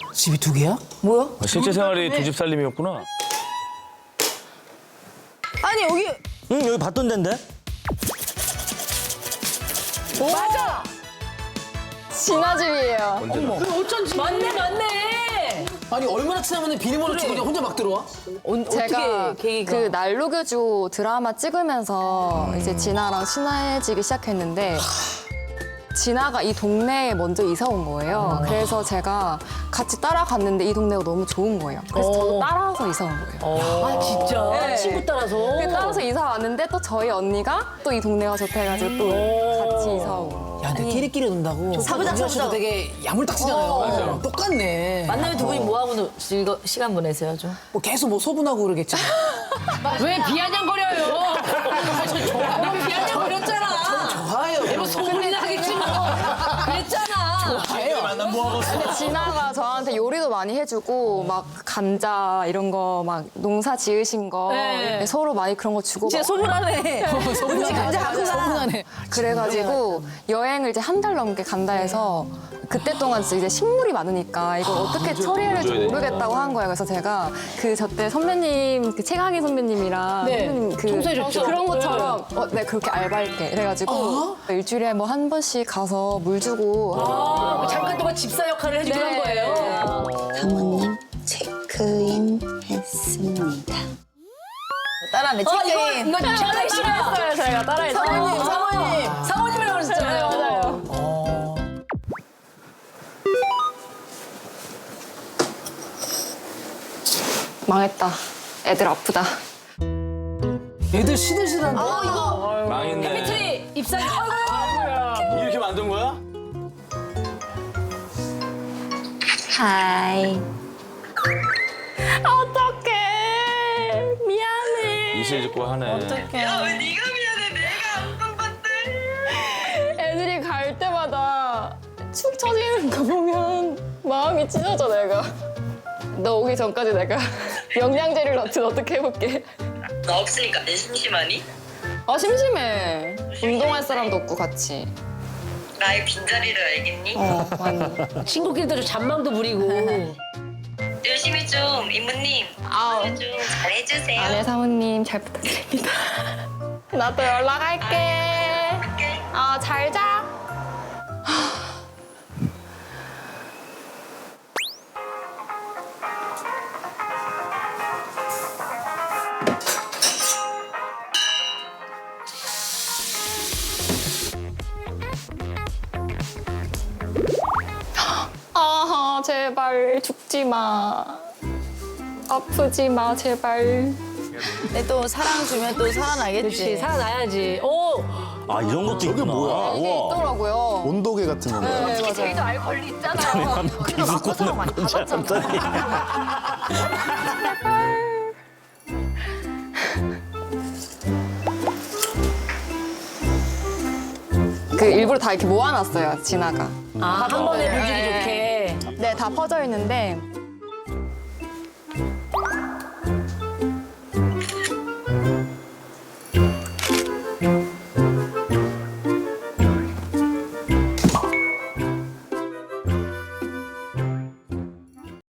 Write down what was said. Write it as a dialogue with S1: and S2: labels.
S1: 집이 두 개야?
S2: 뭐야?
S3: 실제 생활이 두 집 살림이었구나.
S2: 아니 여기
S4: 응, 여기 봤던 데인데?
S2: 맞아.
S5: 진아 집이에요.
S2: 어쩐지. 맞네.
S1: 아니 얼마나 친하면 비밀번호 주고 그냥 혼자 막 들어와?
S5: 제가
S2: 어떻게 계기가?
S5: 그 난로교주 드라마 찍으면서 이제 진아랑 친해지기 시작했는데 진아가 이 동네에 먼저 이사 온 거예요. 그래서 제가 같이 따라갔는데 이 동네가 너무 좋은 거예요. 그래서 저도 따라서 이사 온 거예요.
S2: 아 진짜
S5: 네.
S2: 친구 따라서.
S5: 따라서 이사 왔는데 또 저희 언니가 또 이 동네가 좋다 해가지고 또 같이 이사 오고.
S1: 야, 근데 끼리끼리 논다고.
S2: 사부작,
S1: 정준하 씨도
S2: 사부작.
S1: 되게 야물딱지잖아요. 똑같네.
S2: 만나면 두 분이 뭐 하고 시간 보내세요 좀?
S1: 뭐 계속 뭐 소분하고 그러겠지.
S2: 왜 비아냥거려요? 너무 비아냥거렸잖아.
S1: 좋아요.
S2: 소문이나 하겠지 뭐. 그랬잖아.
S5: 근데 진아가 저한테 요리도 많이 해주고 막 감자 이런 거 막 농사 지으신 거
S2: 네.
S5: 서로 많이 그런 거 주고
S2: 진짜 소문하네.
S1: 소분하네.
S2: 감자 갖고 가.
S1: 소분하네.
S5: 그래가지고 여행을 이제 한 달 넘게 간다 해서 그때 동안 이제 식물이 많으니까 이걸 어떻게 처리해야 될지 모르겠다고 한 거예요. 그래서 제가 그 저때 선배님 그 최강희 선배님이랑
S2: 네.
S5: 선배님 그
S2: 청소해줬죠.
S5: 그런 것처럼 네 그렇게 알바할게 이래가지고 일주일에 뭐 한 번씩 가서 물 주고
S2: 잠깐 동안 집사 역할을 해주기로 한
S5: 네.
S2: 거예요.
S6: 사모님 체크인 했습니다.
S2: 따라하네. 체크인. 이거 비아냥 싫어요.
S5: 따라했어요. 저희가 따라했어요.
S2: 사모님이라고 그러셨잖아요.
S5: 맞아요. 망했다. 애들 아프다.
S1: 애들 시들시들한데.
S3: 망했네.
S2: 트리 입사기.
S3: 이렇게 만든 거야?
S6: 하이.
S5: 어떡해. 미안해.
S3: 이실 짓고 하네.
S7: 야, 왜 네가 미안해? 내가 안방 봤대.
S5: 애들이 갈 때마다 축 처지는 거 보면 마음이 찢어져 내가. 너 오기 전까지 내가 영양제를 넣든 어떻게 해볼게.
S7: 나 없으니까 내 심심하니?
S5: 아 심심해. 운동할 사람도 없고 같이.
S7: 나의 빈자리를 알겠니?
S5: 많이.
S2: 친구끼리도 좀 잔망도 부리고.
S7: 열심히 좀 이모님
S5: 아우.
S7: 좀 잘해주세요.
S5: 아내 사모님 잘 부탁드립니다. 나도 연락할게. 잘 자. 아 제발 죽지 마. 아프지 마 제발.
S2: 근데 또 사랑 주면 또 살아나겠지. 그렇지, 살아나야지. 오!
S4: 아, 이런 것도 있구나.
S8: 뭐야?
S5: 이게
S8: 우와.
S5: 있더라고요.
S8: 온도계 같은 건가요?
S5: 네 맞아요.
S2: 저희도 알코올 있잖아요.
S4: 기수권을 많이 받았잖아.
S5: 그 일부러 다 이렇게 모아놨어요 진아가.
S2: 아, 한 번에 불주기 좋게.
S5: 네 다 퍼져 있는데